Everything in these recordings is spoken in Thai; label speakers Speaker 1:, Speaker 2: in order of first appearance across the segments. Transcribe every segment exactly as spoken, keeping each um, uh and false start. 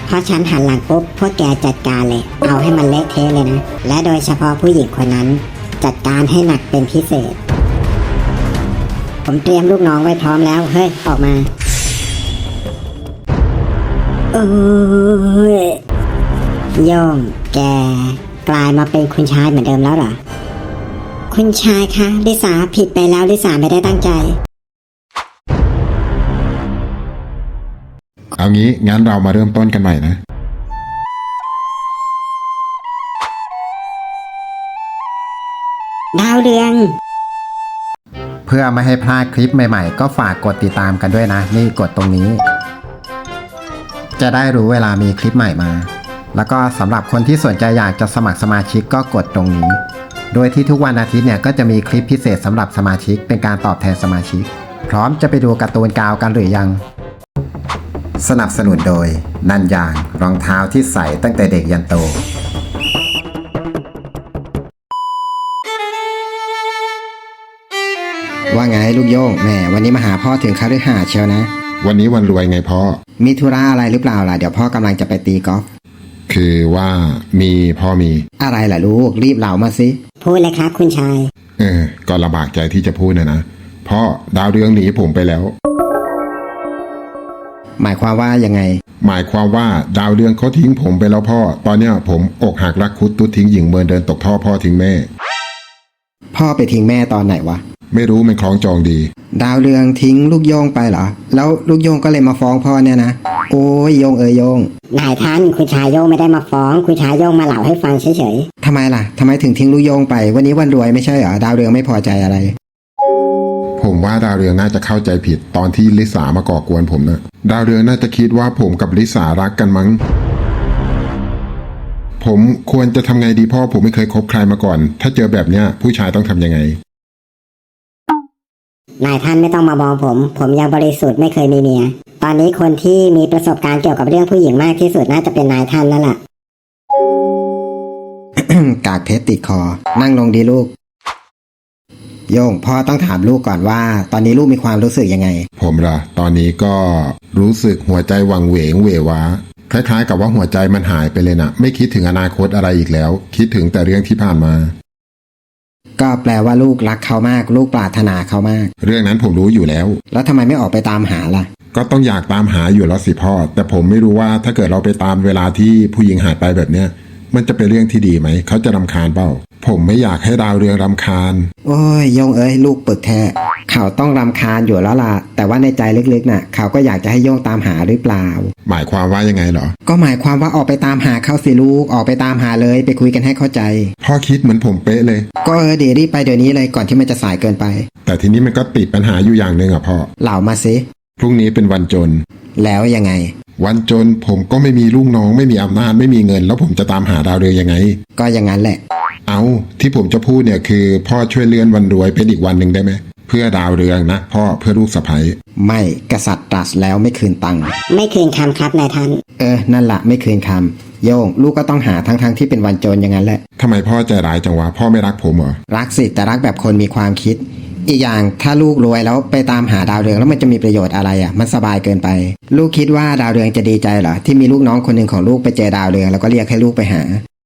Speaker 1: พอฉันหันหลังปุ๊บพวกแกจัดการเลยเอาให้มันเละเทะเลยนะและโดยเฉพาะผู้หญิงคนนั้นจัดการให้หนักเป็นพิเศษผมเตรียมลูกน้องไว้พร้อมแล้วเฮ้ยออกมาเอ้ยโย่งแกกลายมาเป็นคุณชายเหมือนเดิมแล้วเหรอคุณชายคะลิสาผิดไปแล้วลิสาไม่ได้ตั้งใจ
Speaker 2: เอางี้งั้นเรามาเริ่มต้นกันใหม่นะ
Speaker 1: ดาวเรือง
Speaker 3: เพื่อไม่ให้พลาดคลิปใหม่ๆก็ฝากกดติดตามกันด้วยนะนี่กดตรงนี้จะได้รู้เวลามีคลิปใหม่มาแล้วก็สำหรับคนที่สนใจอยากจะสมัครสมาชิกก็กดตรงนี้โดยที่ทุกวันอาทิตย์เนี่ยก็จะมีคลิปพิเศษสำหรับสมาชิกเป็นการตอบแทนสมาชิกพร้อมจะไปดูการ์ตูนกาวกันหรือยังสนับสนุนโดยนันยางรองเท้าที่ใส่ตั้งแต่เด็กยันโตว่าไงลูกโย่งแม่วันนี้มาหาพ่อถึงคฤหาสน์เชียวนะ
Speaker 2: วันนี้วันรวยไงพ่อ
Speaker 3: มีธุระอะไรหรือเปล่าล่ะเดี๋ยวพ่อกำลังจะไปตีกอล์ฟ
Speaker 2: คือว่ามีพ่อมี
Speaker 3: อะไรล่ะลูกรีบเล่ามาสิ
Speaker 1: พูดเลยครับคุณชาย
Speaker 2: เออก็ลำบากใจที่จะพูดนะนะพ่อดาวเรืองหนีผมไปแล้ว
Speaker 3: หมายความว่ายังไง
Speaker 2: หมายความว่าดาวเรืองเขาทิ้งผมไปแล้วพ่อตอนเนี้ยผมอกหักรักคุดตุ๊ดทิ้งหญิงเมินเดินตกท่อพ่อทิ้งแม่
Speaker 3: พ่อไปทิ้งแม่ตอนไหนวะ
Speaker 2: ไม่รู้มันคล้องจองดี
Speaker 3: ดาวเรืองทิ้งลูกโยงไปเหรอแล้วลูกโยงก็เลยมาฟ้องพ่อเนี่ยนะโอ้ยโยงเอ๋ยโยง
Speaker 1: นายท่านคุณชายโยงไม่ได้มาฟ้องคุณชายโยงมาเล่าให้ฟังเฉย
Speaker 3: ๆทำไมล่ะทำไมถึงทิ้งลูกโยงไปวันนี้วันรวยไม่ใช่เหรอดาวเรืองไม่พอใจอะไร
Speaker 2: ผมว่าดาวเรืองน่าจะเข้าใจผิดตอนที่ลิสามาก่อกวนผมนะดาวเรืองน่าจะคิดว่าผมกับลิสารักกันมั้งผมควรจะทำไงดีพ่อผมไม่เคยคบใครมาก่อนถ้าเจอแบบเนี้ยผู้ชายต้องทำยังไง
Speaker 1: นายท่านไม่ต้องมามองผมผมยังบริสุทธิ์ไม่เคยมีเมียตอนนี้คนที่มีประสบการณ์เกี่ยวกับเรื่องผู้หญิงมากที่สุดน่าจะเป็นนายท่านนั่นแหละ
Speaker 3: กากเพชรติดคอนั่งลงดีลูกโย่งพ่อต้องถามลูกก่อนว่าตอนนี้ลูกมีความรู้สึกยังไง
Speaker 2: ผมล่ะตอนนี้ก็รู้สึกหัวใจวังเวงเววาคล้ายๆกับว่าหัวใจมันหายไปเลยนะไม่คิดถึงอนาคตอะไรอีกแล้วคิดถึงแต่เรื่องที่ผ่านมา
Speaker 3: ก็แปลว่าลูกรักเขามากลูกปรารถนาเขามาก
Speaker 2: เรื่องนั้นผมรู้อยู่แล้ว
Speaker 3: แล้วทำไมไม่ออกไปตามหาล่ะ
Speaker 2: ก็ต้องอยากตามหาอยู่แล้วสิพ่อแต่ผมไม่รู้ว่าถ้าเกิดเราไปตามเวลาที่ผู้หญิงหายไปแบบเนี้ยมันจะเป็นเรื่องที่ดีไหมเขาจะรำคาญเปล่าผมไม่อยากให้ดาวเรืองรำคาญ
Speaker 3: โอ้ยโยงเอ้ยลูกปึกแท้เขาต้องรำคาญอยู่แล้วล่ะแต่ว่าในใจลึกๆน่ะเขาก็อยากจะให้โยงตามหาหรือเปล่า
Speaker 2: หมายความว่ายังไงเหรอ
Speaker 3: ก็หมายความว่าออกไปตามหาเขาสิลูกออกไปตามหาเลยไปคุยกันให้เข้าใจ
Speaker 2: พ่อคิดเหมือนผมเป๊ะเลย
Speaker 3: ก็เออเดี๋ยวรีบไปเดี๋ยวนี้เลยก่อนที่มันจะสายเกินไป
Speaker 2: แต่ทีนี้มันก็ติดปัญหาอยู่อย่างหนึ่งอ่ะพ่อ
Speaker 3: เล่ามาสิ
Speaker 2: พรุ่งนี้เป็นวันจน
Speaker 3: แล้วยังไง
Speaker 2: วันจนผมก็ไม่มีลูกน้องไม่มีอำนาจไม่มีเงินแล้วผมจะตามหาดาวเรืองยังไง
Speaker 3: ก็อย่างนั้นแหละ
Speaker 2: เอาที่ผมจะพูดเนี่ยคือพ่อช่วยเลื่อนวันรวยเป็นอีกวันหนึ่งได้ไหมเพื่อดาวเรืองนะพ่อเพื่อลูกสะใภ้
Speaker 3: ไม่กษัตริย์ตรัสแล้วไม่คืนตังค์
Speaker 1: ไม่คืนคำครับนายท่าน
Speaker 3: เออนั่นแหละไม่คืนคำโย่งลูกก็ต้องหาทั้งๆ ท, ที่เป็นวันจนอย่างนั้นแหละ
Speaker 2: ทำไมพ่อใจร้ายจังวะพ่อไม่รักผมเหรอ
Speaker 3: รักสิแต่รักแบบคนมีความคิดอีกอย่างถ้าลูกรวยแล้วไปตามหาดาวเรืองแล้วมันจะมีประโยชน์อะไรอ่ะมันสบายเกินไปลูกคิดว่าดาวเรืองจะดีใจเหรอที่มีลูกน้องคนหนึ่งของลูกไปเจอดาวเรืองแล้วก็เรียกให้ลูกไปหา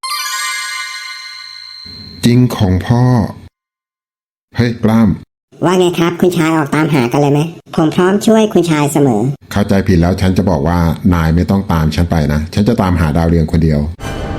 Speaker 2: จริงของพ่อเฮ้ยปล้าม
Speaker 1: ว่าไงครับคุณชายออกตามหากันเลยไหมผมพร้อมช่วยคุณชายเสมอ
Speaker 2: เข้าใจผิดแล้วฉันจะบอกว่านายไม่ต้องตามฉันไปนะฉันจะตามหาดาวเรืองคนเดียว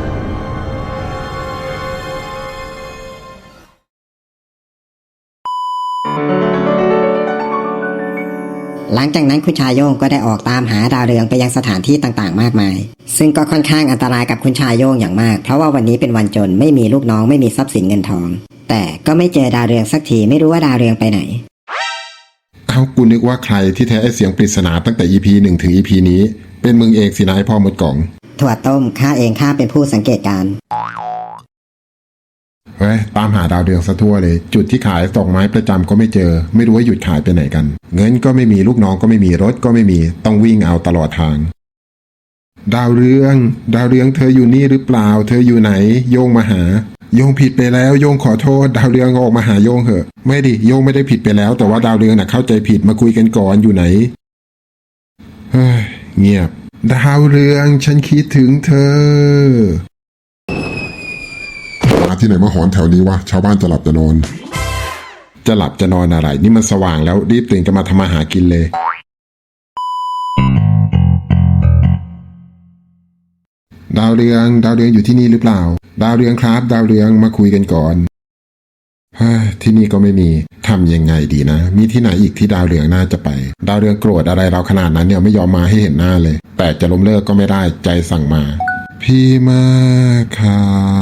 Speaker 1: หลังจากนั้นคุณชายโย่งก็ได้ออกตามหาดาวเรืองไปยังสถานที่ต่างๆมากมายซึ่งก็ค่อนข้างอันตรายกับคุณชายโย่งอย่างมากเพราะว่าวันนี้เป็นวันจนไม่มีลูกน้องไม่มีทรัพย์สินเงินทองแต่ก็ไม่เจอดาวเรืองสักทีไม่รู้ว่าดาวเรืองไปไหน
Speaker 2: เอ้ากูนึกว่าใครที่แท้ไอเสียงปริศนาตั้งแต่ อี พี หนึ่งถึง อี พี นี้เป็นมึงเองสินะไอพ่อมดกล่อง
Speaker 1: ถั่วต้มข้าเองข้าเป็นผู้สังเกตการ
Speaker 2: เฮ้ยตามหาดาวเรืองซะทั่วเลยจุดที่ขายดอกไม้ประจำก็ไม่เจอไม่รู้ว่าหยุดขายไปไหนกันเงินก็ไม่มีลูกน้องก็ไม่มีรถก็ไม่มีต้องวิ่งเอาตลอดทางดาวเรืองดาวเรืองเธออยู่นี่หรือเปล่าเธออยู่ไหนโยงมาหาโยงผิดไปแล้วโยงขอโทษดาวเรืองออกมาหาโยงเหอะไม่ดิโยงไม่ได้ผิดไปแล้วแต่ว่าดาวเรืองน่ะเข้าใจผิดมาคุยกันก่อนอยู่ไหนเฮ้ยเงียบดาวเรืองฉันคิดถึงเธอมาที่ไหนมาหอนแถวนี้วะชาวบ้านจะหลับจะนอน จะหลับจะนอนอะไรนี่มันสว่างแล้วรีบตื่นกันมาทำมาหากินเลยดาวเรืองดาวเรืองอยู่ที่นี่หรือเปล่าดาวเรืองครับดาวเรืองมาคุยกันก่อนเฮ้ยที่นี่ก็ไม่มีทำยังไงดีนะมีที่ไหนอีกที่ดาวเรืองน่าจะไปดาวเรืองโกรธอะไรเราขนาดนั้นเนี่ยไม่ยอมมาให้เห็นหน้าเลยแต่จะล้มเลิกก็ไม่ได้ใจสั่งมาพี่มาค่ะ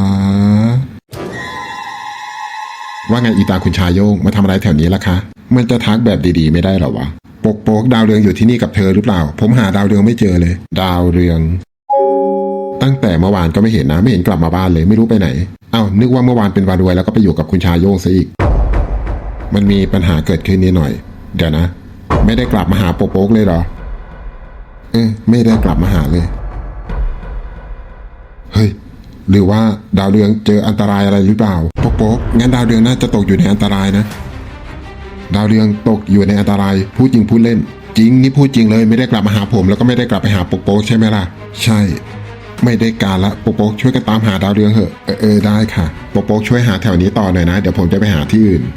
Speaker 2: ว่าไงอีตาคุณชายโยงมาทำอะไรแถวนี้ล่ะคะมันจะทักแบบดีๆไม่ได้หรอวะปกโป๊กดาวเรืองอยู่ที่นี่กับเธอหรือเปล่าผมหาดาวเรืองไม่เจอเลยดาวเรืองตั้งแต่เมื่อวานก็ไม่เห็นนะไม่เห็นกลับมาบ้านเลยไม่รู้ไปไหนเอ้านึกว่าเมื่อวานเป็นวันรวยแล้วก็ไปอยู่กับคุณชายโยงซะอีกมันมีปัญหาเกิดขึ้นนิดหน่อยเดี๋ยวนะไม่ได้กลับมาหาโปกโป๊กเลยเหรอเอ้ไม่ได้กลับมาหาเลยเฮ้ยหรือว่าดาวเรืองเจออันตรายอะไรหรือเปล่าโปกโป๊กงั้นดาวเรืองน่าจะตกอยู่ในอันตรายนะดาวเรืองตกอยู่ในอันตรายพูดจริงพูดเล่นจริงนี่พูดจริงเลยไม่ได้กลับมาหาผมแล้วก็ไม่ได้กลับไปหาโปกโป๊กใช่ไหมล่ะใช่ไม่ได้การละโปกโป๊กช่วยกันตามหาดาวเรืองเหอะเออเออได้ค่ะโปกโป๊กช่วยหาแถวนี้ต่อหน่อยนะเดี๋ยวผมจะไปหาที่อื่น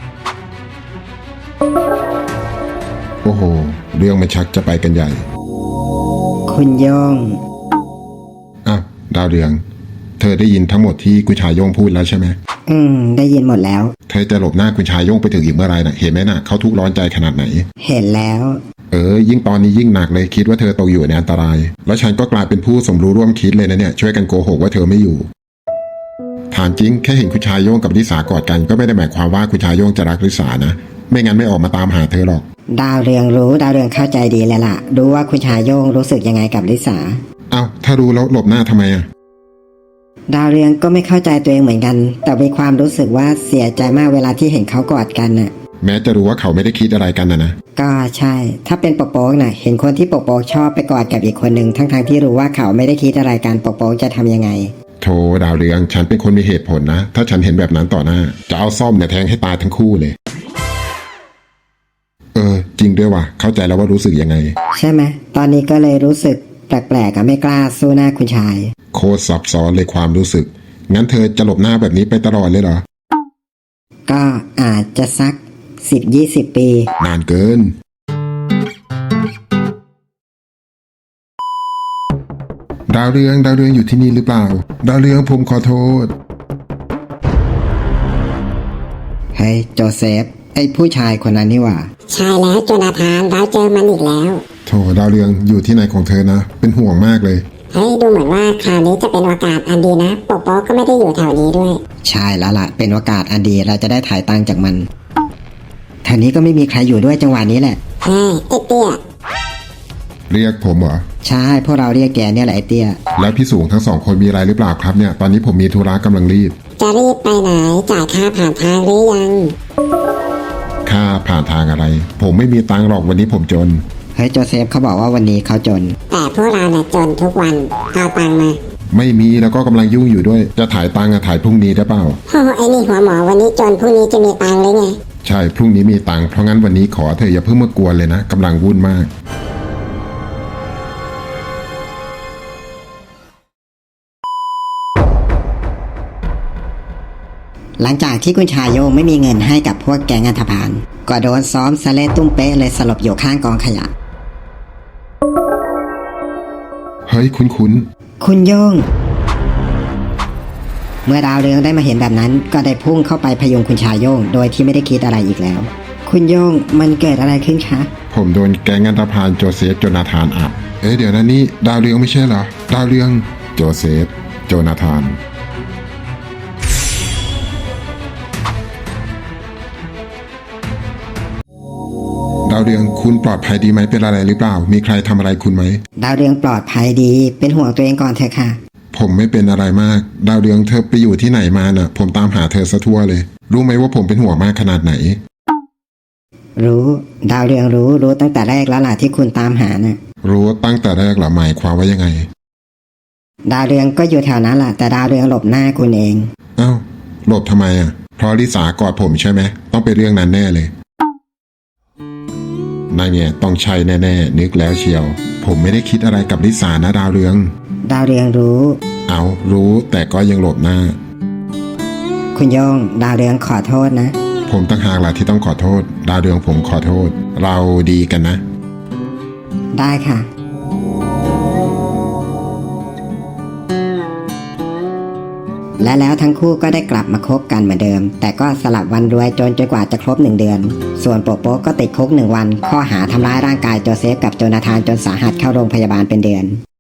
Speaker 2: โอ้โหเรื่องมันชักจะไปกันใหญ่
Speaker 1: คุณโยง
Speaker 2: อ้าวดาวเรืองเธอได้ยินทั้งหมดที่คุณชายโยงพูดแล้วใช่ไหม
Speaker 1: อืมได้ยินหมดแล้ว
Speaker 2: เธอจะหลบหน้าคุณชายโยงไปถึงอีกเมื่อไรน่ะเห็นไหมน่ะเขาทุกข์ร้อนใจขนาดไหน
Speaker 1: เห็นแล้ว
Speaker 2: เออยิ่งตอนนี้ยิ่งหนักเลยคิดว่าเธอตกอยู่ในอันตรายแล้วฉันก็กลายเป็นผู้สมรู้ร่วมคิดเลยนะเนี่ยช่วยกันโกหกว่าเธอไม่อยู่ถามจริงแค่เห็นคุณชายโยงกับลิสากอดกันก็ไม่ได้หมายความว่าคุณชายโยงจะรักลิสานะไม่งั้นไม่ออกมาตามหาเธอหรอก
Speaker 1: ดาวเรืองรู้ดาวเรืองเข้าใจดีเลยล่ะรู้ว่าคุณชายโยงรู้สึกยังไงกับลิสา
Speaker 2: เอ้าถ้ารู้แล้วหลบหน้าทำไมอะ
Speaker 1: ดาวเรืองก็ไม่เข้าใจตัวเองเหมือนกันแต่มีความรู้สึกว่าเสียใจมากเวลาที่เห็นเขากอดกันน่ะ
Speaker 2: แม้จะรู้ว่าเขาไม่ได้คิดอะไรกันนะนะ
Speaker 1: ก็ใช่ถ้าเป็นปกโป๊กน่ะเห็นคนที่ปกโป๊กชอบไปกอดกับอีกคนหนึ่งทั้งๆ ท, ที่รู้ว่าเขาไม่ได้คิดอะไรกันปกโป๊กจะทำยังไง
Speaker 2: โธ่ดาวเรืองฉันเป็นคนมีเหตุผลนะถ้าฉันเห็นแบบนั้นต่อหน้าจะเอาซ่อมเนี่ยแทงให้ตายทั้งคู่เลยเออจริงด้วยว่ะเข้าใจแล้วว่ารู้สึกยังไง
Speaker 1: ใช่ไหมตอนนี้ก็เลยรู้สึกแปลกๆกับไม่กล้าสู้หน้าคุณชาย
Speaker 2: โคตรซับซ้อนเลยความรู้สึกงั้นเธอจะหลบหน้าแบบนี้ไปตลอดเลยเหรอ
Speaker 1: ก็อาจจะสักสิบยี่สิบปี
Speaker 2: นานเกินดาวเรืองดาวเรืองอยู่ที่นี่หรือเปล่าดาวเรืองผมขอโทษ
Speaker 1: เฮ้ยโจเซฟไอ้ผู้ชายคนนั้นนี่หว่า
Speaker 4: ใช่แล้วโจนาธานเราเจอมันอีกแล้ว
Speaker 2: โธ่ดาวเรืองอยู่ที่ไหนของเธอนะเป็นห่วงมากเลย
Speaker 4: เฮ้ยดูเหมือนว่าคราวนี้จะเป็นโอกาสอันดีนะโปโป๊ก็ไม่ได้อยู่แถวนี้ด้วย
Speaker 1: ใช่แล้วล่ะเป็นโอกาสอันดีเราจะได้ถ่ายตังค์จากมันแถวนี้ก็ไม่มีใครอยู่ด้วยจังหวะนี้แหละ
Speaker 4: เฮ้ยไอ้เตี้ย
Speaker 2: เรียกผมเหรอ
Speaker 1: ใช่พวกเราเรียกแกเนี่ยแหละไอ้เตี้ย
Speaker 2: แล้วพี่สูงทั้งสองคนมีอะไรหรือเปล่าครับเนี่ยตอนนี้ผมมีธุระกำลังรีบ
Speaker 4: จะรีบไปไหนจ่ายค่าผ่านทางหรือยัง
Speaker 2: ค่าผ่านทางอะไรผมไม่มีตังค์หรอกวันนี้ผมจน
Speaker 1: เฮ้ยโจเซฟเขาบอกว่าวันนี้เขาจน
Speaker 4: แต่พวกเราเนี่ยจนทุกวันเอาตังค์มา
Speaker 2: ไม่มีแล้วก็กำลังยุ่งอยู่ด้วยจะถ่ายตังค์อะถ่ายพรุ่งนี้ได้เปล่า
Speaker 4: โอ้ไอ้นี่หัวหมอวันนี้จนพรุ่งนี้จะมีตังค์เลยไง
Speaker 2: ใช่พรุ่งนี้มีตังค์เพราะงั้นวันนี้ขอเธออย่าเพิ่งมากวนเลยนะกำลังวุ่นมาก
Speaker 1: หลังจากที่คุณชายโยงไม่มีเงินให้กับพวกแก๊งอันธพาลก็โดนซ้อมสะเละตุ้มเป๊ะเลยสลบอยู่ข้างกองขยะ
Speaker 2: เฮ้ยคุณคุณ
Speaker 1: คุณโยงเมื่อดาวเรืองได้มาเห็นแบบนั้นก็ได้พุ่งเข้าไปพยุงคุณชายโยงโดยที่ไม่ได้คิดอะไรอีกแล้วคุณโยงมันเกิดอะไรขึ้นคะ
Speaker 2: ผมโดนแก๊งอันธพาลโจเซฟโจนาธานอับเอ๊ะเดี๋ยวนะนี่ดาวเรืองไม่ใช่เหรอดาวเรืองโจเซฟโจนาธานดาวเรืองคุณปลอดภัยดีไหมเป็นอะไรหรือเปล่ามีใครทำอะไรคุณไหม
Speaker 1: ดาวเรืองปลอดภัยดีเป็นห่วงตัวเองก่อนเถอะค่ะ
Speaker 2: ผมไม่เป็นอะไรมากดาวเรืองเธอไปอยู่ที่ไหนมาน่ะผมตามหาเธอซะทั่วเลยรู้ไหมว่าผมเป็นห่วงมากขนาดไหน
Speaker 1: รู้ดาวเรืองรู้รู้ตั้งแต่แรกแล้วล่ะที่คุณตามหาน่ะ
Speaker 2: รู้ตั้งแต่แรกเหรอหมายความว่ายังไง
Speaker 1: ดาวเรืองก็อยู่แถวนั้นแหละแต่ดาวเรืองหลบหน้าคุณเอง
Speaker 2: อ้าวหลบทำไมอ่ะเพราะลิสากอดผมใช่ไหมต้องเป็นเรื่องนั้นแน่เลยนั่นไงต้องใช่แน่ๆนึกแล้วเชียว ผมไม่ได้คิดอะไรกับลิสานะดาวเรือง
Speaker 1: ดาวเรืองรู้
Speaker 2: เอารู้แต่ก็ยังหลบหน้า
Speaker 1: คุณโยง ดาวเรืองขอโทษนะ
Speaker 2: ผมตั้งหากล่ะที่ต้องขอโทษ ดาวเรืองผมขอโทษ เราดีกันนะ
Speaker 1: ได้ค่ะ และแล้วทั้งคู่ก็ได้กลับมาคบกันเหมือนเดิม แต่ก็สลับวันรวยจนจนกว่าจะครบหนึ่งเดือน ส่วนโปโป๊ก็ติดคุกหนึ่งวัน ข้อหาทำร้ายร่างกายโจเซฟกับโจนาธานจนสาหัสเข้าโรงพยาบาลเป็นเดือน